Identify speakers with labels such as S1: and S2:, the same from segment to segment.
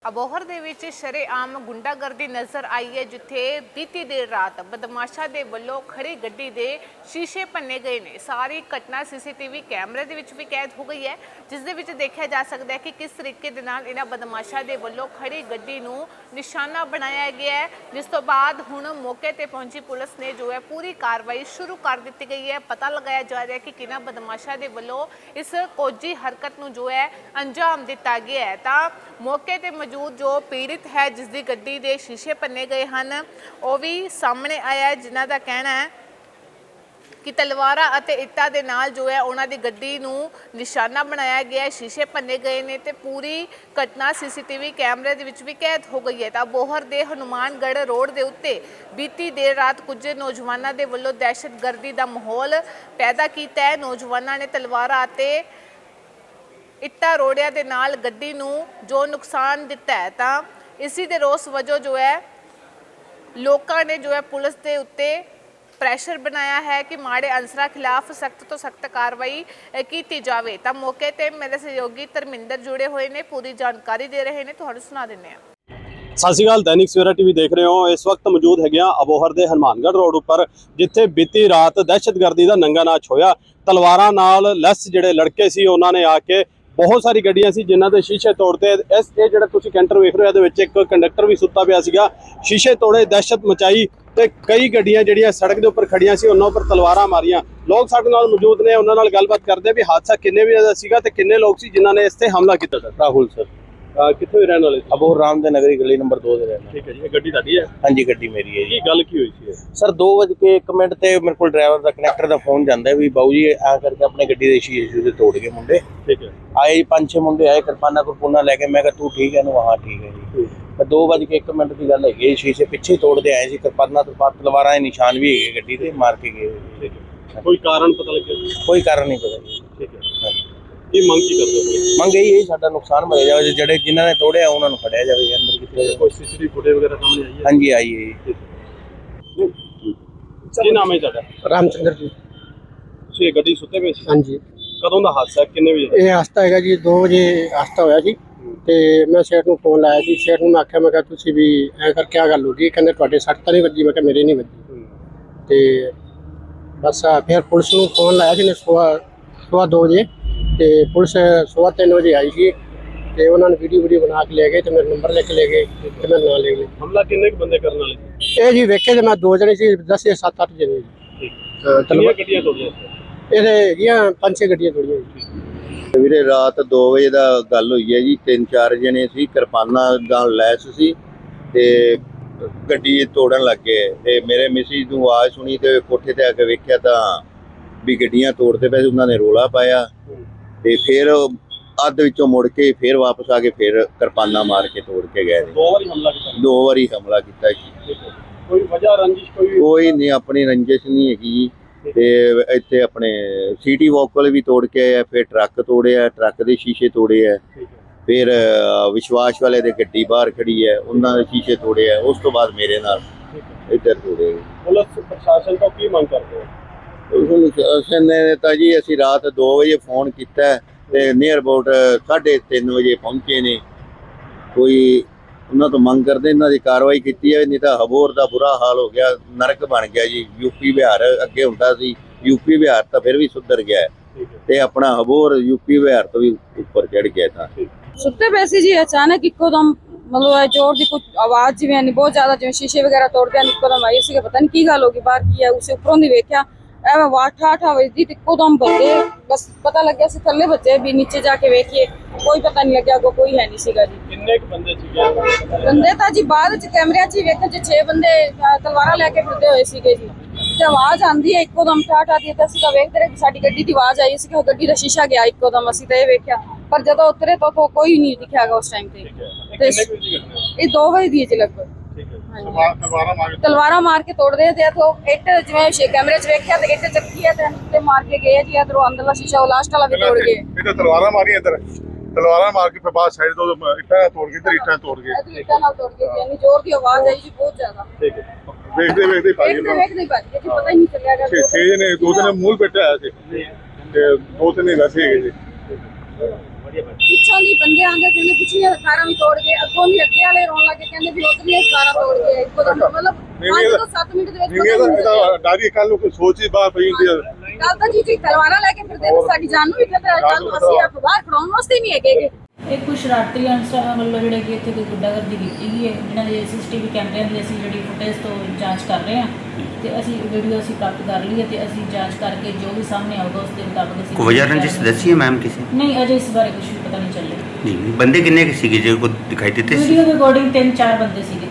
S1: ਅਬੋਹਰ ਦੇ ਵਿੱਚ ਸ਼ਰੇਆਮ ਗੁੰਡਾਗਰਦੀ ਨਜ਼ਰ ਆਈ ਹੈ, ਜਿੱਥੇ ਬੀਤੀ ਦੇਰ ਰਾਤ ਬਦਮਾਸ਼ਾਂ ਦੇ ਵੱਲੋਂ ਖੜੀ ਗੱਡੀ ਦੇ ਸ਼ੀਸ਼ੇ ਭੰਨੇ ਗਏ ਨੇ। ਸਾਰੀ ਘਟਨਾ ਸੀਸੀਟੀਵੀ ਕੈਮਰੇ ਦੇ ਵਿੱਚ ਵੀ ਕੈਦ ਹੋ ਗਈ ਹੈ, ਜਿਸ ਦੇ ਵਿੱਚ ਦੇਖਿਆ ਜਾ ਸਕਦਾ ਹੈ ਕਿ ਕਿਸ ਤਰੀਕੇ ਦੇ ਨਾਲ ਇਹਨਾਂ ਬਦਮਾਸ਼ਾਂ ਦੇ ਵੱਲੋਂ ਖੜੀ ਗੱਡੀ ਨੂੰ ਨਿਸ਼ਾਨਾ ਬਣਾਇਆ ਗਿਆ ਹੈ। ਜਿਸ ਤੋਂ ਬਾਅਦ ਹੁਣ ਮੌਕੇ ਤੇ ਪਹੁੰਚੀ ਪੁਲਿਸ ਨੇ ਜੋ ਹੈ ਪੂਰੀ ਕਾਰਵਾਈ ਸ਼ੁਰੂ ਕਰ ਦਿੱਤੀ ਗਈ ਹੈ। ਪਤਾ ਲਗਾਇਆ ਜਾ ਰਿਹਾ ਹੈ ਕਿ ਕਿਹਨਾਂ ਬਦਮਾਸ਼ਾਂ ਦੇ ਵੱਲੋਂ ਇਸ ਕੋਝੀ ਹਰਕਤ ਨੂੰ ਜੋ ਹੈ ਅੰਜਾਮ ਦਿੱਤਾ ਗਿਆ ਹੈ। ਤਾਂ ਮੌਕੇ ਤੇ जो पीड़ित है जिसकी गड्डी के शीशे भन्ने गए हैं वो भी सामने आया है, जिन्हों का कहना है कि तलवारां अते इट्टां दे नाल जो है उन्हां दी गड्डी नूं निशाना बनाया गया है, शीशे भन्ने गए ने ते पूरी घटना सीसीटीवी कैमरे दे विच भी कैद हो गई है। तां बोहर दे हनुमानगढ़ रोड दे उत्ते बीती देर रात कुछ नौजवानों के वल्लों दहशतगर्दी का माहौल पैदा किया है। नौजवानों ने तलवारां अते इट्टा रोड़िया दे नाल गड्डी नूं जो नुकसान दिता है, तां इसी दे रोस वजों जो है लोकां ने जो है पुलिस दे उत्ते प्रैशर बनाया है कि माड़े अंसरां खिलाफ सख्त तो सख्त कार्रवाई की जाए। तां मौके ते मेरे सहयोगी धर्मिंदर जुड़े हुए ने, पूरी जानकारी दे रहे हैं, तुहानूं सुना दिंदे हां।
S2: सत श्री अकाल, दैनिक सवेरा टीवी देख रहे हो। इस वक्त मौजूद है अबोहर के हनुमानगढ़ रोड उपर, जिथे बीती रात दहशतगर्दी का नंगा नाच होया। तलवारां नाल लैस जिहड़े लड़के सी उन्होंने आके बहुत सारी गड्डियां सी जिन्हां दे शीशे तोड़ते। इस जिहड़ा तुसीं कैंटर वेख रहे हो, इहदे विच एक कंडक्टर भी सुत्ता पिया सीगा, शीशे तोड़े, दहशत मचाई ते कई गड्डियां जिहड़ियां सड़क दे उपर खड़ियां सी उन्हां उपर तलवारां मारियां। लोग साडे नाल मौजूद ने, उन्हां नाल गलबात करदे भी हादसा किन्ने वजे दा सीगा ते किन्ने लोग सी जिन्हां ने इस ते हमला कीता। सर
S3: राहुल सर
S2: कित्थों दे रहण वाले?
S3: अबोहर राम दे नगरी गली नंबर 2 दे रहना।
S2: ठीक है जी, गड्डी तुहाडी है?
S3: हाँ जी, गड्डी मेरी है जी।
S2: की गल की हुई सी
S3: सर 2:01 ते मेरे को ड्राइवर दा कनेक्टर दा फोन जांदा भी बाबू जी आ करके अपने गड्डी दे शीशे तोड़ गए मुंडे।
S2: ठीक है,
S3: आए 5-6 मुंडे आए किरपाना कुरपुना लेके। मैं कहा तू ठीक है? हाँ ठीक है जी। 2:01 की गल है, शीशे पिछे तोड़ते आए सी, किरपाना तलवारां दे निशान भी है गड्डी ते मार के गए।
S2: ठीक है, कोई कारण पता लगे?
S3: कोई कारण नहीं पता जी।
S2: ठीक है, ये मंग की करते हो?
S3: मंग यही है साडा नुकसान भरिया जाए, जेडे जिन्हां ने तोड़िया उन्हां नूं फड़िया जाए अंदर किथे।
S2: कोई सीसीटीवी फुटेज वगैरह सामने आई है?
S3: हाँ जी आई है।
S2: ਕੀ ਨਾਮ ਹੈ ਤੁਹਾਡਾ?
S4: रामचंद्र जी।
S2: ਤੁਸੀਂ ਇਹ ਗੱਡੀ ਸੁੱਤੇ ਪਏ ਸੀ?
S4: हाँ जी,
S2: ਕਦੋਂ ਦਾ ਹਾਦਸਾ ਹੈ? ਕਿੰਨੇ ਵਜੇ?
S4: ये हादसा है जी 2 बजे हादसा होया जी। ਤੇ ਮੈਂ ਸੇਠ ਨੂੰ ਫੋਨ ਲਾਇਆ ਸੀ। ਸੇਠ ਨੂੰ ਮੈਂ ਆਖਿਆ, ਮੈਂ ਕਿਹਾ ਤੁਸੀਂ ਵੀ ਐਂ ਕਰ ਕਿਆ ਗੱਲ ਹੋ ਗਈ? ਕਹਿੰਦੇ ਤੁਹਾਡੇ ਸੱਟ ਤਾਂ ਨਹੀਂ ਵੱਜੀ? ਮੈਂ ਕਿਹਾ ਮੇਰੇ ਨਹੀਂ ਵੱਜੀ। ਤੇ ਬਸ ਫਿਰ ਪੁਲਿਸ ਨੂੰ ਫੋਨ ਲਾਇਆ ਸੀ ਨੇ ਸਵਾ 2 ਵਜੇ, ਤੇ ਪੁਲਿਸ 3:15 ਵਜੇ ਆਈ ਸੀ ਤੇ ਉਹਨਾਂ ਨੇ ਵੀਡੀਓ ਬਣਾ ਕੇ ਲੈ ਗਏ ਤੇ ਮੇਰਾ ਨੰਬਰ ਲਿਖ ਕੇ ਲੈ ਗਏ ਤੇ ਮੈਂ ਨਾਂ ਲੈ ਗਏ।
S2: ਹਮਲਾ ਕਿੰਨੇ ਕੁ ਬੰਦੇ ਕਰਨ ਵਾਲੇ?
S4: ਇਹ ਜੀ ਵੇਖੇ ਤੇ ਮੈਂ 2 ਜਣੇ ਸੀ, 10 ਜਾਂ 7-8 ਜਣੇ ਜੀ।
S2: ਠੀਕ, ਕਿੰਨੀਆਂ ਗੱਡੀਆਂ ਤੋੜੀਆਂ?
S4: ਇਹਦੇ ਹੈਗੀਆਂ 5-6 ਗੱਡੀਆਂ ਤੋੜੀਆਂ ਜੀ।
S5: ਵੀਰੇ ਰਾਤ 2 ਵਜੇ ਦਾ ਗੱਲ ਹੋਈ ਹੈ ਜੀ। 3-4 ਜਣੇ ਸੀ, ਕਿਰਪਾਨਾਂ ਨਾਲ ਲੈਸ ਸੀ ਤੇ ਗੱਡੀ ਤੋੜਨ ਲੱਗ ਗਏ। ਤੇ ਮੇਰੇ ਮਿਸਿਸ ਨੂੰ ਆਵਾਜ਼ ਸੁਣੀ ਤੇ ਕੋਠੇ ਤੇ ਆ ਕੇ ਵੇਖਿਆ ਤਾਂ ਵੀ ਗੱਡੀਆਂ ਤੋੜਦੇ ਪਏ। ਉਹਨਾਂ ਨੇ ਰੋਲਾ ਪਾਇਆ ਤੇ ਫਿਰ ਅੱਧ ਵਿੱਚੋਂ ਮੁੜ ਕੇ ਫਿਰ ਵਾਪਸ ਆ ਕੇ ਫਿਰ ਕਿਰਪਾਨਾਂ ਮਾਰ ਕੇ ਤੋੜ ਕੇ ਗਏ।
S2: 2 ਵਾਰੀ ਹਮਲਾ ਕੀਤਾ?
S5: 2 ਵਾਰੀ ਹਮਲਾ ਕੀਤਾ ਜੀ।
S2: ਕੋਈ ਵਜ੍ਹਾ ਰੰਜਿਸ਼
S5: ਕੋਈ ਨਹੀਂ, ਆਪਣੀ ਰੰਜਿਸ਼ ਨਹੀਂ ਹੈਗੀ। ਤੇ ਇੱਥੇ ਆਪਣੇ ਸਿਟੀ ਵਾਕਲ ਵੀ ਤੋੜ ਕੇ ਆਇਆ, ਫਿਰ ਟਰੱਕ ਤੋੜਿਆ, ਟਰੱਕ ਦੇ ਸ਼ੀਸ਼ੇ ਤੋੜੇ ਆ। ਫਿਰ ਵਿਸ਼ਵਾਸ ਵਾਲੇ ਦੇ ਗੱਡੀ ਬਾਹਰ ਖੜੀ ਹੈ, ਉਹਨਾਂ ਦੇ ਸ਼ੀਸ਼ੇ ਤੋੜੇ ਆ। ਉਸ ਤੋਂ ਬਾਅਦ ਮੇਰੇ ਨਾਲ ਇੱਧਰ ਤੋੜੇ।
S2: ਪੁਲਿਸ ਪ੍ਰਸ਼ਾਸਨ ਤੋਂ ਕੀ ਮੰਗ ਕਰਦੇ ਹੋ?
S5: ਪ੍ਰਸ਼ਾਸਨ ਨੇ ਤਾਂ ਜੀ ਅਸੀਂ ਰਾਤ 2 ਵਜੇ ਫੋਨ ਕੀਤਾ ਤੇ ਨੀਅਰ ਅਬਾਊਟ 3:30 ਵਜੇ ਪਹੁੰਚੇ ਨੇ। ਕੋਈ ਉਹਨਾਂ ਤੋਂ ਮੰਗ ਕਰਦੇ ਇਹਨਾਂ ਦੀ ਕਾਰਵਾਈ ਕੀਤੀ ਹੈ, ਨਹੀਂ ਤਾਂ ਅਬੋਹਰ ਦਾ ਬੁਰਾ ਹਾਲ ਹੋ ਗਿਆ, ਨਰਕ ਬਣ ਗਿਆ ਜੀ। ਯੂਪੀ ਬਿਹਾਰ ਅੱਗੇ ਹੁੰਦਾ ਸੀ, ਯੂਪੀ ਬਿਹਾਰ ਤਾਂ ਫਿਰ ਵੀ ਸੁਧਰ ਗਿਆ ਤੇ ਆਪਣਾ ਅਬੋਹਰ ਯੂਪੀ ਬਿਹਾਰ ਤੋਂ ਵੀ ਉੱਪਰ ਚੜ ਗਿਆ। ਤਾਂ
S6: ਸੁੱਤੇ ਪਏ ਸੀ ਜੀ, ਅਚਾਨਕ ਇੱਕੋਦਮ ਮਤਲਬ ਜ਼ੋਰ ਦੀ ਕੁਝ ਆਵਾਜ਼ ਜਿਵੇਂ ਬਹੁਤ ਜ਼ਿਆਦਾ, ਜਿਵੇਂ ਸ਼ੀਸ਼ੇ ਵਗੈਰਾ ਤੋੜਦੇ ਹਨ, ਇੱਕੋਦਮ ਆਈ ਸੀ। ਪਤਾ ਨਹੀਂ ਕੀ ਗੱਲ ਹੋ ਗਈ, ਬਾਹਰ ਕੀ ਹੈ। ਉਸੇ ਉੱਪਰੋਂ ਦੀ ਵੇਖਿਆ ਐਵੇਂ 8:30 ਵਜੇ ਦੀ ਇੱਕੋਦਮ ਬੱਜੇ। ਬਸ ਪਤਾ ਲੱਗਿਆ ਸੀ ਥੱਲੇ ਬੱਜੇ ਵੀ, ਨੀਚੇ ਜਾ ਕੇ ਵੇਖੀਏ ਕੋਈ ਪਤਾ ਨਹੀਂ ਲੱਗਿਆ, ਕੋਈ ਹੈ ਨਹੀਂ ਸੀਗਾ ਜੀ।
S2: ਕਿੰਨੇ ਕੁ ਬੰਦੇ ਸੀਗੇ?
S6: ਬੰਦੇ ਤਾਂ ਜੀ ਬਾਅਦ ਚ ਕੈਮਰਿਆਂ 'ਚ ਹੀ ਵੇਖੇ ਜੀ 6 ਬੰਦੇ ਤਲਵਾਰਾਂ ਲੈ ਕੇ ਫਿਰਦੇ ਹੋਏ ਸੀਗੇ ਜੀ। ਤੇ ਆਵਾਜ਼ ਆਂਦੀ ਹੈ ਇੱਕੋਦਮ ਠਾਠ ਆਦੀ, ਤੇ ਅਸੀਂ ਤਾਂ ਵੇਖਦੇ ਰਹੇ ਸਾਡੀ ਗੱਡੀ ਦੀ ਆਵਾਜ਼ ਆਈ ਸੀ ਕਿ ਉਹ ਗੱਡੀ ਦਾ ਸ਼ੀਸ਼ਾ ਗਿਆ ਇੱਕੋਦਮ। ਅਸੀਂ ਤਾਂ ਇਹ ਵੇਖਿਆ, ਪਰ ਜਦੋਂ ਉਤਰੇ ਤਾਂ ਕੋਈ ਨਹੀਂ ਦਿਖਿਆਗਾ ਉਸ ਟਾਈਮ ਤੇ। ਇਹ 2 ਵਜੇ ਦੀ ਜੀ ਲਗਭਗ। ਤਲਵਾਰਾਂ ਮਾਰ ਕੇ ਤੋੜਦੇ ਤੇ ਇਥੋਂ ਇੱਟ ਜਿਵੇਂ ਕੈਮਰੇ 'ਚ ਵੇਖਿਆ ਤੇ ਇੱਟ ਚੱਕੀ ਹੈ ਤੇ ਮਾਰ ਕੇ ਗਏ ਜੀ। ਇਧਰੋਂ ਅੰਦਰਲਾ ਸ਼ੀਸ਼ਾ ਉਹ ਲਾਸਟ ਵਾਲਾ ਵੀ ਤੋੜ ਗਏ।
S7: ਇਹ ਤਲਵਾਰਾਂ ਮਾਰੀਆਂ ਇੱਧਰ, ਤਲਵਾਰਾਂ ਮਾਰ ਕੇ ਫਿਰ ਬਾਅਦ ਸਾਈਡ ਤੋਂ ਇੱਟਾਂ ਤੋੜ ਕੇ ਇੱਧਰ ਇੱਟਾਂ ਤੋੜ ਗਏ।
S6: ਇੱਟਾਂ ਨਾਲ ਤੋੜ ਗਏ ਜੀ, ਇੰਨੀ ਜ਼ੋਰ ਦੀ ਆਵਾਜ਼ ਆਈ ਜੀ, ਬਹੁਤ ਜ਼ਿਆਦਾ।
S2: ਠੀਕ ਹੈ,
S7: ਵੇਖਦੇ ਭਾਈ
S6: ਵੇਖਦੇ ਭਾਜੀ ਜੀ ਪਤਾ ਹੀ ਨਹੀਂ ਚੱਲਿਆ।
S7: 6 ਜਣੇ, 2 ਜਣੇ ਮੂਲ ਬੈਠਾ ਆਇਆ ਸੀ ਤੇ 2 ਤਿੰਨ ਵੈਸੇ ਹੈਗੇ ਜੀ।
S6: ਪਿੱਛੋਂ ਦੀ ਬੰਦੇ ਆਂਦੇ ਕਹਿੰਦੇ ਪਿਛਲੀਆਂ ਕਾਰਾਂ ਵੀ ਤੋੜ ਗਏ, ਅੱਗੋਂ ਦੀ ਅੱਗੇ ਵਾਲੇ ਰੋਣ ਲੱਗੇ ਕਹਿੰਦੇ ਵੀ ਉਧਰਲੀਆਂ ਕਾਰਾਂ ਤੋੜ ਗਏ। ਇੱਕੋ ਦਮ ਮਤਲਬ 5 ਤੋਂ 7 ਮਿੰਟ ਦੇ ਵਿੱਚ
S7: ਜਿਵੇਂ ਇਹਦਾ ਡਾਰੀ ਕੱਲ ਨੂੰ ਕੋਈ ਸੋਚ ਹੀ ਬਾਹਰ ਪਈ ਹੁੰਦੀ ਹੈ।
S6: ਕੱਲ ਤਾਂ ਜੀ ਤਲਵਾਰਾਂ ਲੈ ਕੇ ਫਿਰਦੇ ਨੇ, ਸਾਡੀ ਜਾਨ ਨੂੰ ਵੀ ਖਤਰਾ ਹੈ। ਕੱਲ ਅਸੀਂ ਆਪ ਬਾਹਰ ਖੜਾਉਣ ਵਾਸਤੇ ਨਹੀਂ ਹੈਗੇ।
S8: ਇਹ ਕੁਝ ਸ਼ਰਾਰਤੀ ਅਨਸਰਾਂ ਵੱਲੋਂ ਜਿਹੜੇ ਕਿ ਇੱਥੇ ਕੋਈ ਗੁੰਡਾਗਰਦੀ ਕੀਤੀ ਗਈ ਹੈ, ਜਿਨ੍ਹਾਂ ਦੇ ਸੀਸੀਟੀਵੀ ਕੈਮਰਿਆਂ ਦੀ ਅਸੀਂ ਜਿਹੜੀ ਫੁਟੇਜ ਤੋਂ ਜਾਂਚ ਕਰ ਰਹੇ ਹਾਂ ਤੇ ਅਸੀਂ ਵੀਡੀਓ ਅਸੀਂ ਪ੍ਰਾਪਤ ਕਰ ਲਈ ਹੈ ਤੇ ਅਸੀਂ ਜਾਂਚ ਕਰਕੇ ਜੋ ਵੀ ਸਾਹਮਣੇ ਆਊਗਾ ਉਸ ਦੇ ਮੁਤਾਬਕ ਅਸੀਂ
S9: ਕੋਈ ਵਜ੍ਹਾ ਰੰਜਿਸ਼ ਦੱਸੀ ਹੈ ਮੈਮ ਕਿਸੇ
S8: ਨਹੀਂ, ਅਜੇ ਇਸ ਬਾਰੇ ਕੁਝ ਵੀ ਪਤਾ ਨਹੀਂ ਚੱਲਿਆ।
S9: ਨਹੀਂ ਬੰਦੇ ਕਿੰਨੇ ਕੁ ਸੀਗੇ ਜੇ ਕੋਈ ਦਿਖਾਈ ਦਿੱਤੇ ਸੀ?
S8: ਵੀਡੀਓ ਦੇ ਅਕੋਰਡਿੰਗ 3-4 ਬੰਦੇ ਸੀਗੇ।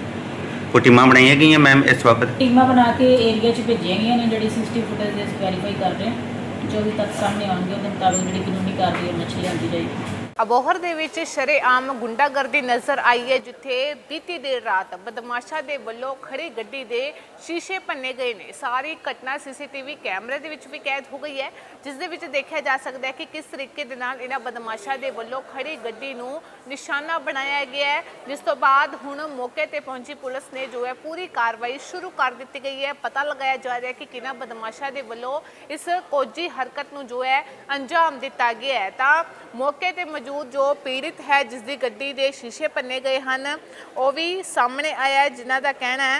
S9: ਕੋਈ ਟੀਮਾਂ ਬਣਾਈਆਂ ਗਈਆਂ ਮੈਮ ਇਸ ਬਾਬਤ?
S8: ਟੀਮਾਂ ਬਣਾ ਕੇ ਏਰੀਆ 'ਚ ਭੇਜੀਆਂ ਗਈਆਂ ਨੇ, ਜਿਹੜੀ ਸੀਸੀਟੀਵੀ ਫੁਟੇਜ ਦੇ ਅਸੀਂ ਵੈਰੀਫਾਈ ਕਰ ਰਹੇ ਹਾਂ। ਜੋ ਵੀ ਤੱਥ ਸਾਹਮਣੇ ਆਉਣਗੇ ਉਹਦੇ ਮੁਤਾਬਕ ਜਿਹੜੀ ਕਾਨੂੰਨੀ ਕਾਰਵਾਈ ਉਹ ਮੱਛੀ ਲਿਆਂਦੀ ਜਾਏਗੀ।
S1: ਅਬੋਹਰ ਦੇ ਵਿੱਚ ਸ਼ਰੇਆਮ ਗੁੰਡਾਗਰਦੀ ਨਜ਼ਰ ਆਈ ਹੈ, ਜਿੱਥੇ ਬੀਤੀ ਦੇਰ ਰਾਤ ਬਦਮਾਸ਼ਾਂ ਦੇ ਵੱਲੋਂ ਖੜੀ ਗੱਡੀ ਦੇ ਸ਼ੀਸ਼ੇ ਭੰਨੇ ਗਏ ਨੇ। ਸਾਰੀ ਘਟਨਾ ਸੀਸੀਟੀਵੀ ਕੈਮਰੇ ਦੇ ਵਿੱਚ ਵੀ ਕੈਦ ਹੋ ਗਈ ਹੈ, ਜਿਸ ਦੇ ਵਿੱਚ ਦੇਖਿਆ ਜਾ ਸਕਦਾ ਹੈ ਕਿ ਕਿਸ ਤਰੀਕੇ ਦੇ ਨਾਲ ਇਹਨਾਂ ਬਦਮਾਸ਼ਾਂ ਦੇ ਵੱਲੋਂ ਖੜੀ ਗੱਡੀ ਨੂੰ ਨਿਸ਼ਾਨਾ ਬਣਾਇਆ ਗਿਆ ਹੈ। ਜਿਸ ਤੋਂ ਬਾਅਦ ਹੁਣ ਮੌਕੇ ਤੇ ਪਹੁੰਚੀ ਪੁਲਿਸ ਨੇ ਜੋ ਹੈ ਪੂਰੀ ਕਾਰਵਾਈ ਸ਼ੁਰੂ ਕਰ ਦਿੱਤੀ ਗਈ ਹੈ। ਪਤਾ ਲਗਾਇਆ ਜਾ ਰਿਹਾ ਹੈ ਕਿ ਕਿਹਨਾਂ ਬਦਮਾਸ਼ਾਂ ਦੇ ਵੱਲੋਂ ਇਸ ਕੋਝੀ ਹਰਕਤ ਨੂੰ ਜੋ ਹੈ ਅੰਜਾਮ ਦਿੱਤਾ ਗਿਆ ਹੈ। ਤਾਂ ਮੌਕੇ ਤੇ ਮੌਜੂਦ ਜੋ ਪੀੜਿਤ ਹੈ, ਜਿਸ ਦੀ ਗੱਡੀ ਦੇ ਸ਼ੀਸ਼ੇ ਭੰਨੇ ਗਏ ਹਨ, ਉਹ ਵੀ ਸਾਹਮਣੇ ਆਇਆ ਹੈ, ਜਿਨ੍ਹਾਂ ਦਾ ਕਹਿਣਾ ਹੈ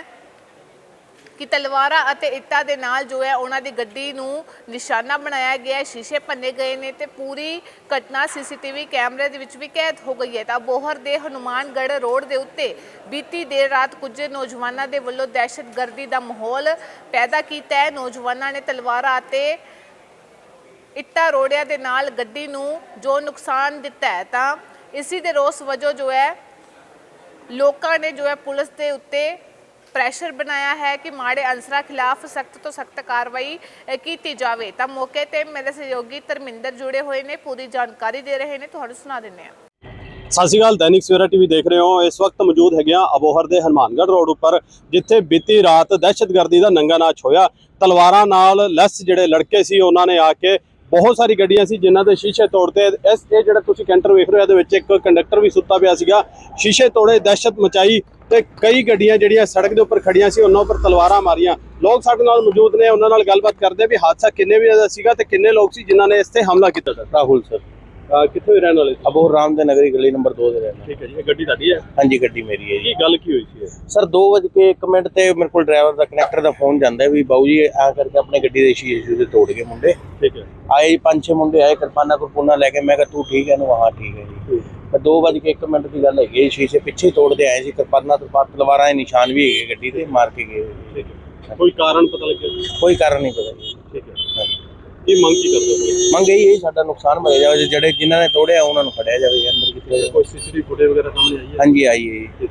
S1: ਕਿ ਤਲਵਾਰਾਂ ਅਤੇ ਇੱਟਾਂ ਦੇ ਨਾਲ ਜੋ ਹੈ ਉਹਨਾਂ ਦੀ ਗੱਡੀ ਨੂੰ ਨਿਸ਼ਾਨਾ ਬਣਾਇਆ ਗਿਆ ਹੈ, ਸ਼ੀਸ਼ੇ ਭੰਨੇ ਗਏ ਨੇ ਤੇ ਪੂਰੀ ਘਟਨਾ ਸੀਸੀਟੀਵੀ ਕੈਮਰੇ ਦੇ ਵਿੱਚ ਵੀ ਕੈਦ ਹੋ ਗਈ ਹੈ। ਤਾਂ ਬੋਹਰ ਦੇ ਹਨੂਮਾਨਗੜ੍ਹ ਰੋਡ ਦੇ ਉੱਤੇ ਬੀਤੀ ਦੇਰ ਰਾਤ ਕੁਝ ਨੌਜਵਾਨਾਂ ਦੇ ਵੱਲੋਂ ਦਹਿਸ਼ਤਗਰਦੀ ਦਾ ਮਾਹੌਲ ਪੈਦਾ ਕੀਤਾ ਹੈ। ਨੌਜਵਾਨਾਂ ਨੇ ਤਲਵਾਰਾਂ ਅਤੇ ਇੱਟਾਂ ਰੋੜਿਆਂ ਦੇ ਨਾਲ ਗੱਡੀ ਨੂੰ ਜੋ ਨੁਕਸਾਨ ਦਿੱਤਾ ਹੈ, ਤਾਂ ਇਸੇ ਦੇ ਰੋਸ ਵਜੋਂ ਜੋ ਹੈ ਲੋਕਾਂ ਨੇ ਜੋ ਹੈ ਪੁਲਿਸ ਦੇ ਉੱਤੇ ਪ੍ਰੈਸ਼ਰ ਬਣਾਇਆ ਹੈ ਕਿ ਮਾੜੇ ਅਨਸਰਾਂ ਖਿਲਾਫ ਸਖਤ ਤੋਂ ਸਖਤ ਕਾਰਵਾਈ ਕੀਤੀ ਜਾਵੇ। ਤਾਂ ਮੌਕੇ ਤੇ ਮੇਰੇ ਸਹਿਯੋਗੀ ਧਰਮਿੰਦਰ ਜੁੜੇ ਹੋਏ ਨੇ, ਪੂਰੀ ਜਾਣਕਾਰੀ ਦੇ ਰਹੇ ਨੇ, ਤੁਹਾਨੂੰ ਸੁਣਾ ਦਿੰਦੇ ਹਾਂ।
S2: ਸਤਿ ਸ਼੍ਰੀ ਅਕਾਲ, ਦੈਨਿਕ ਸਵੇਰਾ ਟੀਵੀ ਦੇਖ ਰਹੇ ਹੋ। ਇਸ ਵਕਤ ਮੌਜੂਦ ਹੈਗੇ ਆ ਅਬੋਹਰ ਦੇ ਹਨੂਮਾਨਗੜ੍ਹ ਰੋਡ ਉੱਪਰ, ਜਿੱਥੇ ਬੀਤੀ ਰਾਤ ਦਹਿਸ਼ਤਗਰਦੀ ਦਾ ਨੰਗਾ ਨਾਚ ਹੋਇਆ। ਤਲਵਾਰਾਂ ਨਾਲ ਲੈਸ ਜਿਹੜੇ ਲੜਕੇ ਸੀ ਉਹਨਾਂ ਨੇ ਆ ਕੇ ਬਹੁਤ ਸਾਰੀ ਗੱਡੀਆਂ ਸੀ ਜਿਨ੍ਹਾਂ ਦੇ ਸ਼ੀਸ਼ੇ ਤੋੜਤੇ। ਇਹ ਜਿਹੜਾ ਤੁਸੀਂ ਕੈਂਟਰ ਵੇਖ ਰਹੇ ਹੋ, ਇਹਦੇ ਵਿੱਚ ਇੱਕ ਕੰਡਕਟਰ ਵੀ ਸੁੱਤਾ ਪਿਆ ਸੀਗਾ। ਸ਼ੀਸ਼ੇ ਤੋੜੇ, ਦਹਿਸ਼ਤ ਮਚਾਈ ਤੇ ਕਈ ਗੱਡੀਆਂ ਜਿਹੜੀਆਂ ਸੜਕ ਦੇ ਉੱਪਰ ਖੜੀਆਂ ਸੀ ਉਹਨਾਂ ਉੱਪਰ ਤਲਵਾਰਾਂ ਮਾਰੀਆਂ। ਲੋਕ ਸਾਡੇ ਨਾਲ ਮੌਜੂਦ ਨੇ, ਉਹਨਾਂ ਨਾਲ ਗੱਲਬਾਤ ਕਰਦੇ ਆ ਵੀ ਹਾਦਸਾ ਕਿੰਨੇ ਵਜੇ ਦਾ ਸੀਗਾ ਤੇ ਕਿੰਨੇ ਲੋਕ ਸੀ ਜਿਨ੍ਹਾਂ ਨੇ ਇਸ ਤੇ ਹਮਲਾ ਕੀਤਾ। ਸਰ
S3: ਰਾਹੁਲ ਸਰ,
S2: ਕਿੱਥੋਂ ਦੇ ਰਹਿਣ ਵਾਲੇ?
S3: ਅਬੋਹਰ ਰਾਮ ਦੇ ਨਗਰੀ ਗਲੀ ਨੰਬਰ 2 ਦੇ ਰਹਿਣਾ।
S2: ਠੀਕ ਹੈ ਜੀ, ਇਹ ਗੱਡੀ ਤੁਹਾਡੀ ਹੈ?
S3: ਹਾਂਜੀ, ਗੱਡੀ ਮੇਰੀ ਹੈ ਜੀ।
S2: ਕੀ ਗੱਲ ਕੀ ਹੋਈ ਸੀ?
S3: ਸਰ 2:01 ਤੇ ਮੇਰੇ ਕੋਲ ਡਰਾਈਵਰ ਦਾ ਕਨੈਕਟਰ ਦਾ ਫੋਨ ਜਾਂਦਾ ਵੀ ਬਾਊ ਜੀ ਆ ਕਰਕੇ ਆਪਣੇ ਗੱਡੀ ਦੇ ਸ਼ੀਸ਼ੇ ਤੋੜ ਗਏ ਮੁੰਡੇ।
S2: ਠੀਕ ਹੈ।
S3: ਆਏ 5-6 ਮੁੰਡੇ ਆਏ, ਕਿਰਪਾਨਾ ਕੁਰਪਾਨਾ ਲੈ ਕੇ। ਮੈਂ ਕਿਹਾ ਤੂੰ ਠੀਕ ਹੈ? ਹਾਂ ਠੀਕ ਹੈ ਜੀ। 2:01 ਦੀ ਗੱਲ ਹੈਗੀ, ਸ਼ੀਸ਼ੇ ਪਿੱਛੇ ਤੋੜਦੇ ਆਏ ਸੀ, ਕਿਰਪਾਨਾ ਤਲਵਾਰਾਂ ਦੇ ਨਿਸ਼ਾਨ ਵੀ ਹੈਗੇ ਗੱਡੀ ਤੇ, ਮਾਰ ਕੇ ਗਏ।
S2: ਕੋਈ ਕਾਰਨ ਪਤਾ ਲੱਗਿਆ?
S3: ਕੋਈ ਕਾਰਨ ਨਹੀਂ ਪਤਾ ਜੀ।
S2: ਠੀਕ ਹੈ। ਇਹ ਮੰਗ ਕੀ ਕਰਦੇ ਹੋ?
S3: ਮੰਗ ਇਹੀ ਹੈ ਸਾਡਾ ਨੁਕਸਾਨ ਭਰਿਆ ਜਾਵੇ, ਜਿਹੜੇ ਜਿਨ੍ਹਾਂ ਨੇ ਤੋੜਿਆ ਉਹਨਾਂ ਨੂੰ ਫੜਿਆ ਜਾਵੇ। ਅੰਦਰ ਕਿੱਥੇ
S2: ਕੋਈ ਸੀਸੀਟੀਵੀ ਫੁਟੇਜ ਵਗੈਰਾ ਸਾਹਮਣੇ ਆਈ ਹੈ?
S3: ਹਾਂਜੀ ਆਈ ਹੈ ਜੀ।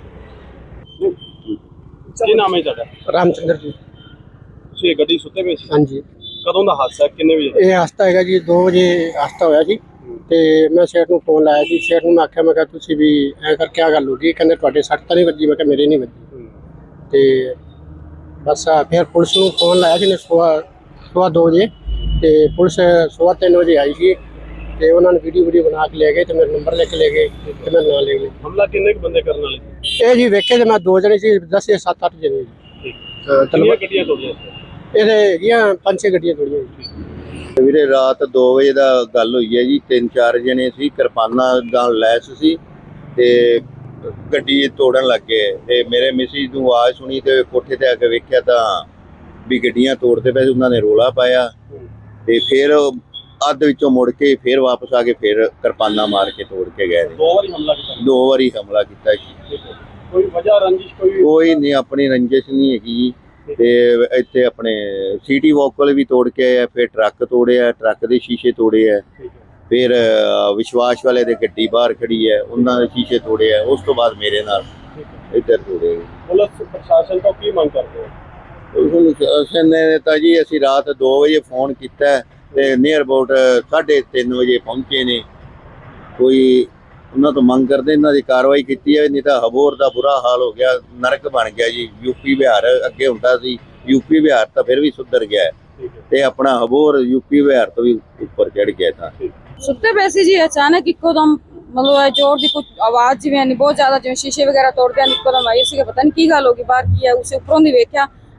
S2: ਕੀ ਨਾਮ ਹੈ ਤੁਹਾਡਾ?
S4: ਰਾਮਚੰਦਰ ਜੀ।
S2: ਤੁਸੀਂ ਇਹ ਗੱਡੀ ਸੁੱਤੇ ਪਏ ਸੀ?
S4: ਹਾਂਜੀ।
S2: ਕਦੋਂ ਦਾ ਹਾਦਸਾ, ਕਿੰਨੇ ਵਜੇ?
S4: ਇਹ ਹਾਦਸਾ ਹੈਗਾ ਜੀ 2 ਵਜੇ ਹਾਦਸਾ ਹੋਇਆ ਸੀ ਤੇ ਮੈਂ ਸੇਠ ਨੂੰ ਫੋਨ ਲਾਇਆ ਸੀ। ਸੇਠ ਨੂੰ ਮੈਂ ਆਖਿਆ, ਮੈਂ ਕਿਹਾ ਤੁਸੀਂ ਵੀ ਐ ਕਰ ਕਿਆ ਗੱਲ ਹੋ ਗਈ? ਕਹਿੰਦੇ ਤੁਹਾਡੇ ਸੱਟ ਤਾਂ ਨਹੀਂ ਵੱਜੀ? ਮੈਂ ਕਿਹਾ ਮੇਰੇ ਨਹੀਂ ਵੱਜੀ। ਤੇ ਬਸ ਫਿਰ ਪੁਲਿਸ ਨੂੰ ਫੋਨ ਲਾਇਆ ਸੀ ਨੇ ਸਵਾ 2 ਵਜੇ ਤੇ ਪੁਲਿਸ 3:15 ਵਜੇ ਆਈ ਸੀ ਤੇ ਉਹਨਾਂ ਨੇ ਵੀਡੀਓ ਬਣਾ ਕੇ ਲੈ ਗਏ ਤੇ ਮੇਰਾ ਨੰਬਰ ਲੈ ਕੇ ਲੈ ਗਏ ਤੇ ਮੈਂ ਨਾਂ ਲੈ ਗਏ।
S2: ਹਮਲਾ ਕਿੰਨੇ ਕੁ ਬੰਦੇ ਕਰਨ ਵਾਲੇ ਸੀ?
S4: ਇਹ ਜੀ ਵੇਖੇ ਤੇ ਮੈਂ 2 ਜਣੇ ਸੀ, 10 ਜਾਂ 7-8 ਜਣੇ ਜੀ।
S2: ਕਿੰਨੀਆਂ ਗੱਡੀਆਂ ਤੋੜੀਆਂ?
S4: ਇਹਦੇ ਹੈਗੀਆਂ 5-6 ਗੱਡੀਆਂ ਤੋੜੀਆਂ।
S5: ਵੀਰੇ ਰਾਤ 2 ਵਜੇ ਦਾ ਗੱਲ ਹੋਈ ਹੈ ਜੀ। 3-4 ਜਣੇ ਸੀ, ਕਿਰਪਾਨਾਂ ਨਾਲ ਲੈਸ ਸੀ ਤੇ ਗੱਡੀ ਤੋੜਨ ਲੱਗ ਗਏ। ਤੇ ਮੇਰੇ ਮਿਸਿਸ ਨੂੰ ਆਵਾਜ਼ ਸੁਣੀ ਤੇ ਕੋਠੇ ਤੇ ਆ ਕੇ ਵੇਖਿਆ ਤਾਂ ਵੀ ਗੱਡੀਆਂ ਤੋੜਦੇ ਪਏ ਸੀ। ਉਹਨਾਂ ਨੇ ਰੋਲਾ ਪਾਇਆ ਤੇ ਫਿਰ ਅੱਧ ਵਿੱਚੋਂ ਮੁੜ ਕੇ ਫਿਰ ਵਾਪਸ ਆ ਕੇ ਫਿਰ ਕਿਰਪਾਨਾਂ ਮਾਰ ਕੇ ਤੋੜ ਕੇ ਗਏ।
S2: 2 ਵਾਰੀ ਹਮਲਾ ਕੀਤਾ?
S5: 2 ਵਾਰੀ ਹਮਲਾ ਕੀਤਾ ਜੀ।
S2: ਕੋਈ ਵਜ੍ਹਾ ਰੰਜਿਸ਼
S5: ਕੋਈ ਨਹੀਂ, ਆਪਣੀ ਰੰਜਿਸ਼ ਨਹੀਂ ਹੈਗੀ। ਤੇ ਇੱਥੇ ਆਪਣੇ ਸਿਟੀ ਵੋਕਲ ਵੀ ਤੋੜ ਕੇ ਆਇਆ, ਫਿਰ ਟਰੱਕ ਤੋੜਿਆ, ਟਰੱਕ ਦੇ ਸ਼ੀਸ਼ੇ ਤੋੜੇ ਆ। ਫਿਰ ਵਿਸ਼ਵਾਸ ਵਾਲੇ ਦੇ ਗੱਡੀ ਬਾਹਰ ਖੜੀ ਹੈ, ਉਹਨਾਂ ਦੇ ਸ਼ੀਸ਼ੇ ਤੋੜੇ ਆ। ਉਸ ਤੋਂ ਬਾਅਦ ਮੇਰੇ ਨਾਲ ਇੱਧਰ ਤੋੜੇ।
S2: ਪੁਲਿਸ ਪ੍ਰਸ਼ਾਸਨ ਤੋਂ ਕੀ ਮੰਗ ਕਰਦੇ ਹੋ?
S5: ਪ੍ਰਸ਼ਾਸਨ ਨੇ ਤਾਂ ਜੀ ਅਸੀਂ ਰਾਤ 2 ਵਜੇ ਫੋਨ ਕੀਤਾ ਤੇ ਨੀਅਰ ਅਬਾਊਟ 3:30 ਵਜੇ ਪਹੁੰਚੇ ਨੇ। ਕੋਈ ਉਹਨਾਂ ਤੋਂ ਮੰਗ ਕਰਦੇ ਇਹਨਾਂ ਦੀ ਕਾਰਵਾਈ ਕੀਤੀ ਹੈ, ਨਹੀਂ ਤਾਂ ਅਬੋਹਰ ਦਾ ਬੁਰਾ ਹਾਲ ਹੋ ਗਿਆ, ਨਰਕ ਬਣ ਗਿਆ ਜੀ। ਯੂਪੀ ਬਿਹਾਰ ਅੱਗੇ ਹੁੰਦਾ ਸੀ, ਯੂਪੀ ਬਿਹਾਰ ਤਾਂ ਫਿਰ ਵੀ ਸੁਧਰ ਗਿਆ ਤੇ ਆਪਣਾ ਅਬੋਹਰ ਯੂਪੀ ਬਿਹਾਰ ਤੋਂ ਵੀ ਉੱਪਰ ਚੜ ਗਿਆ। ਤਾਂ
S6: ਸੁੱਤੇ ਪਏ ਸੀ ਜੀ, ਅਚਾਨਕ ਇੱਕੋ ਦਮ ਮਤਲਬ ਜ਼ੋਰ ਦੀ ਕੁਝ ਆਵਾਜ਼ ਜਿਵੇਂ ਬਹੁਤ ਜ਼ਿਆਦਾ, ਜਿਵੇਂ ਸ਼ੀਸ਼ੇ ਵਗੈਰਾ ਤੋੜਦੇ ਹਨ, ਇੱਕੋ ਦਮ ਆਈ ਸੀ। ਪਤਾ ਨਹੀਂ ਕੀ ਗੱਲ ਹੋ ਗਈ, ਬਾਹਰ ਕੀ ਹੈ। ਉਸੇ ਉੱਪਰੋਂ ਦੀ ਵੇਖਿਆ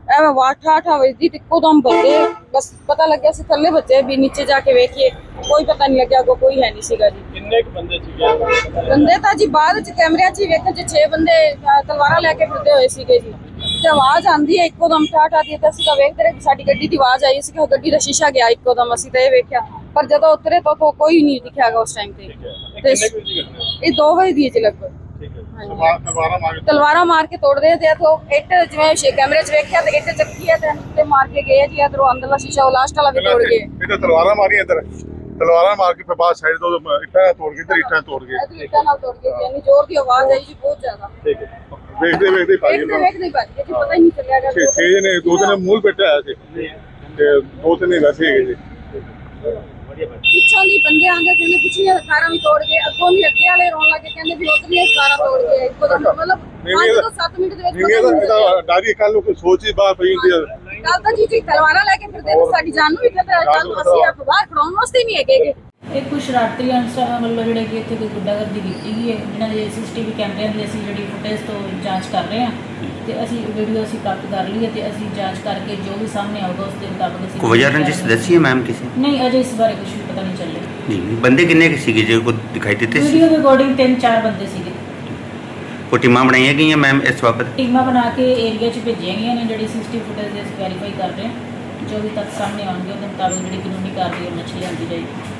S6: ਐਵੇਂ ਵਾਠਾ ਵਜਦੀ ਤੇ ਇੱਕੋਦਮ ਵੱਜੇ। ਬਸ ਪਤਾ ਲੱਗਿਆ ਸੀ ਥੱਲੇ ਵੱਜੇ ਵੀ ਨੀਚੇ ਜਾ ਕੇ ਵੇਖੀਏ, ਕੋਈ ਪਤਾ ਨਹੀਂ ਲੱਗਿਆ, ਕੋਈ ਹੈ ਨਹੀਂ ਸੀਗਾ ਜੀ।
S2: ਕਿੰਨੇ ਕੁ ਬੰਦੇ ਸੀਗੇ?
S6: ਬੰਦੇ ਤਾਂ ਜੀ ਬਾਅਦ ਚ ਕੈਮਰਿਆਂ 'ਚ ਹੀ ਵੇਖੇ ਜੇ 6 ਬੰਦੇ ਤਲਵਾਰਾਂ ਲੈ ਕੇ ਫਿਰਦੇ ਹੋਏ ਸੀਗੇ ਜੀ। ਤੇ ਆਵਾਜ਼ ਆਂਦੀ ਹੈ ਇੱਕੋਦਮ ਠਾਠਾ ਦੀ, ਤਾਂ ਅਸੀਂ ਤਾਂ ਵੇਖਦੇ ਰਹੇ ਕਿ ਸਾਡੀ ਗੱਡੀ ਦੀ ਆਵਾਜ਼ ਆਈ ਸੀ ਕਿ ਉਹ ਗੱਡੀ ਦਾ ਸ਼ੀਸ਼ਾ ਗਿਆ ਇੱਕੋਦਮ। ਅਸੀਂ ਤਾਂ ਇਹ ਵੇਖਿਆ, ਪਰ ਜਦੋਂ ਉਤਰੇ ਤਾਂ ਕੋਈ ਨਹੀਂ ਦਿਖਿਆਗਾ ਉਸ ਟਾਈਮ ਤੇ। ਇਹ 2 ਵਜੇ ਦੀ ਹੈ ਜੀ ਲਗਭਗ। ਤਲਵਾਰਾਂ ਮਾਰ ਕੇ ਤੋੜਦੇ ਤੇ ਇਥੋਂ ਇੱਟ ਜਿਵੇਂ ਕੈਮਰੇ 'ਚ ਵੇਖਿਆ ਤੇ ਇੱਟ ਚੱਕੀ ਹੈ ਤੇ ਮਾਰ ਕੇ ਗਏ ਜੀ। ਇਧਰੋਂ ਅੰਦਰਲਾ ਸ਼ੀਸ਼ਾ ਉਹ ਲਾਸਟ ਵਾਲਾ ਵੀ ਤੋੜ ਗਏ।
S7: ਇਹ ਤਲਵਾਰਾਂ ਮਾਰੀਆਂ ਇੱਧਰ, ਤਲਵਾਰਾਂ ਮਾਰ ਕੇ ਫਿਰ ਬਾਹਰ ਸਾਈਡ ਤੋਂ ਇੱਟਾਂ ਤੋੜ ਕੇ ਇੱਧਰ ਇੱਟਾਂ ਤੋੜ ਗਏ।
S6: ਇੱਟਾਂ ਨਾਲ ਤੋੜ ਗਏ ਜੀ, ਇੰਨੀ ਜ਼ੋਰ ਦੀ ਆਵਾਜ਼ ਆਈ ਜੀ, ਬਹੁਤ ਜ਼ਿਆਦਾ।
S2: ਠੀਕ ਹੈ।
S7: ਵੇਖਦੇ ਵੇਖਦੇ ਭਾਜੀ
S6: ਵੇਖਦੇ ਵੇਖਦੇ ਭੱਜ ਗਏ ਜੀ, ਪਤਾ ਹੀ ਨਹੀਂ ਚੱਲਿਆਗਾ।
S7: 6 ਜਣੇ, 2 ਜਣੇ ਮੂਲ ਬੈਠਾ ਆਇਆ ਸੀ ਤੇ 2 ਤਿੰਨ ਵੈਸੇ ਹੈਗੇ ਜੀ।
S6: ਪਿੱਛੋਂ ਦੀ ਬੰਦੇ ਆਂਦੇ ਕਹਿੰਦੇ ਪਿਛਲੀਆਂ ਕਾਰਾਂ ਵੀ ਤੋੜ ਗਏ, ਅੱਗੋਂ ਦੀ ਅੱਗੇ ਵਾਲੇ ਰੋਣ ਲੱਗੇ ਕਹਿੰਦੇ ਵੀ ਉਧਰਲੀਆਂ ਕਾਰਾਂ ਤੋੜ ਗਏ ਇੱਕੋ ਦਮ। ਮਤਲਬ 5 ਤੋਂ 7 ਮਿੰਟ ਦੇ ਵਿੱਚ
S7: ਨਹੀਂ ਇਹਦਾ ਡਾਰੀ ਕੱਲ ਨੂੰ ਕੋਈ ਸੋਚ ਹੀ ਬਾਹਰ ਪਈ ਹੁੰਦੀ ਹੈ।
S6: ਕੱਲ ਤਾਂ ਜੀ ਤਲਵਾਰਾਂ ਲੈ ਕੇ ਫਿਰਦੇ ਤੇ ਸਾਡੀ ਜਾਨ ਨੂੰ ਵੀ ਖਤਰਾ ਹੈ। ਕੱਲ ਨੂੰ ਅਸੀਂ ਆਪ ਬਾਹਰ ਖੜਾਉਣ ਵਾਸਤੇ ਨਹੀਂ ਹੈਗੇ।
S8: ਇਹ ਕੁਝ ਸ਼ਰਾਰਤੀ ਅਨਸਰਾਂ ਵੱਲੋਂ ਜਿਹੜੇ ਕਿ ਇੱਥੇ ਕੋਈ ਗੁੰਡਾਗਰਦੀ ਕੀਤੀ ਗਈ ਹੈ, ਜਿਨ੍ਹਾਂ ਦੇ ਸੀਸੀਟੀਵੀ ਕੈਮਰਿਆਂ ਦੀ ਅਸੀਂ ਜਿਹੜੀ ਫੁਟੇਜ ਤੋਂ ਜਾਂਚ ਕਰ ਰਹੇ ਹਾਂ ਤੇ ਅਸੀਂ ਵੀਡੀਓ ਅਸੀਂ ਪ੍ਰਾਪਤ ਕਰ ਲਈ ਹੈ ਤੇ ਅਸੀਂ ਜਾਂਚ ਕਰਕੇ ਜੋ ਵੀ ਸਾਹਮਣੇ ਆਊਗਾ ਉਸ ਦੇ ਮੁਤਾਬਕ ਅਸੀਂ
S9: ਕੋਈ ਵਜ੍ਹਾ ਰੰਜਿਸ਼ ਦੱਸੀ ਹੈ ਮੈਮ ਕਿਸੇ?
S8: ਨਹੀਂ, ਅਜੇ ਇਸ ਬਾਰੇ ਕੁਝ ਵੀ ਪਤਾ ਨਹੀਂ ਚੱਲਿਆ
S9: ਜੀ। ਬੰਦੇ ਕਿੰਨੇ ਕੁ ਸੀਗੇ ਜੇ ਕੋਈ ਦਿਖਾਈ ਦਿੱਤੇ ਸੀ?
S8: ਵੀਡੀਓ ਦੇ ਅਕੋਰਡਿੰਗ 3-4 ਬੰਦੇ ਸੀਗੇ।
S9: ਕੋਈ ਟੀਮਾਂ ਬਣਾਈਆਂ ਗਈਆਂ ਮੈਮ ਇਸ ਬਾਬਤ?
S8: ਟੀਮਾਂ ਬਣਾ ਕੇ ਏਰੀਆ 'ਚ ਭੇਜੀਆਂ ਗਈਆਂ ਨੇ। ਜਿਹੜੀ ਸੀਸੀਟੀਵੀ ਫੁਟੇਜ ਅਸੀਂ ਵੈਰੀਫਾਈ ਕਰ ਰਹੇ ਹਾਂ, ਜੋ ਵੀ ਤੱਥ ਸਾਹਮਣੇ ਆਉਣਗੇ ਉਹਦੇ ਮੁਤਾਬਕ ਜਿਹੜੀ ਕਾਨੂੰਨੀ ਕਾਰਵਾਈ ਉਹ ਮੱਛੀ ਜਾਂਦੀ ਜਾਏਗੀ।